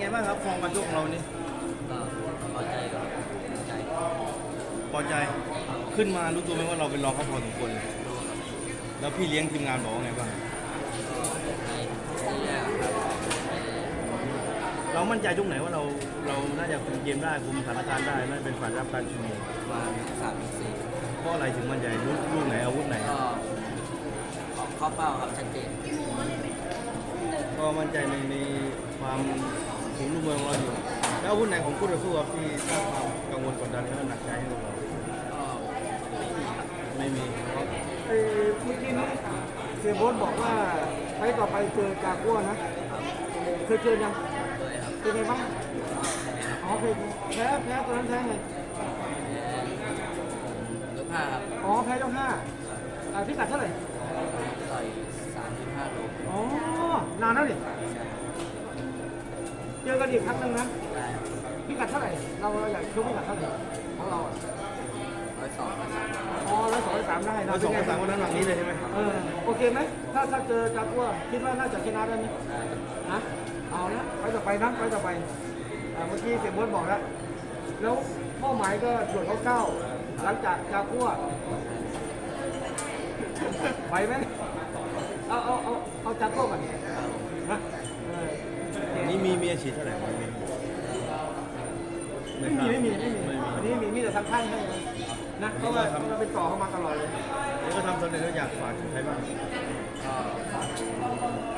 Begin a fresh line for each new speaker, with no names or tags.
ไงบ้างครับฟอร์มการชกของเรานี่
ก็พอใจครับพอใจ
พอใจขึ้นมารู้ตัวไหมว่าเราเป็นรองเขาพอสมควรเลย
รู้ครับ
แล้วพี่เลี้ยงทีมงานบอกว่าไงบ้าง
ก็ให้แย่ครับ
เรามั่นใจตรงไหนว่าเราน่าจะคุมเกมได้คุมสถานการณ์ได้น่าจะเป็นฝ่ายรับการชุมนุม
มา3-4
เพราะอะไรถึงมั่นใจลูกไหนอาวุธไหน
ก็ออกเข้าเป้าครับชัดเจน
ก็มั่นใจในความถึงลูกเมืองของเราอยู่แล้วอาวุธไหนของคู่ต่อสู้ครับที่สร้างความกังวลกดดันและหนักใจให้เรา
ก็
ไม่มีเพราะ
เมื่อกี้นี้เสียโบ๊ทบอกว่าไฟต์ต่อไปเจอจากัวนะเคยเจอยัง
ด้วยครับ
เป็นไงบ้างอ๋อเคยแพ้ตอนนั้นแพ้ไง
ยก5ครับ
อ๋อแพ้ยกห้าพิกัดเท่าไหร่
ต่อย35 โล
อ๋อนานแล้วนี่เจอกันอีกครั้งหนึ่งนะ
ได้ครับ
พิกัดเท่าไหร่เราอยากชกพิกัดเท่าไหร่ของเราอ่ะ
102 103
อ๋อ102 103ได้นะ
เราสองภาษาวันนั้นแบบนี้เลยใช่ไหม
โอเคไหมถ้าเจอจากัวคิดว่าน่าจะชนะได้ไหม
ได้ครับ
นะเอาละไปต่อไปนะไปต่อไปเมื่อกี้เสียโบ๊ทบอกแล้วแล้วเป้าหมายก็ส่วนเขาเก้าหลังจากจากัวไหวไหมเอาจากัวก่อนนะ
นี่มีอาชีพเท่าไหร่ไม่ทราบ
ไม่มีอันนี้มีแต่ทางค่ายให้นะเพราะว่าเราเป็นต่อเข้ามาตลอดเลย
แล้วก็ทำสำเร็จแล้วอยากฝากถึงใครบ้าง
ก็ฝาก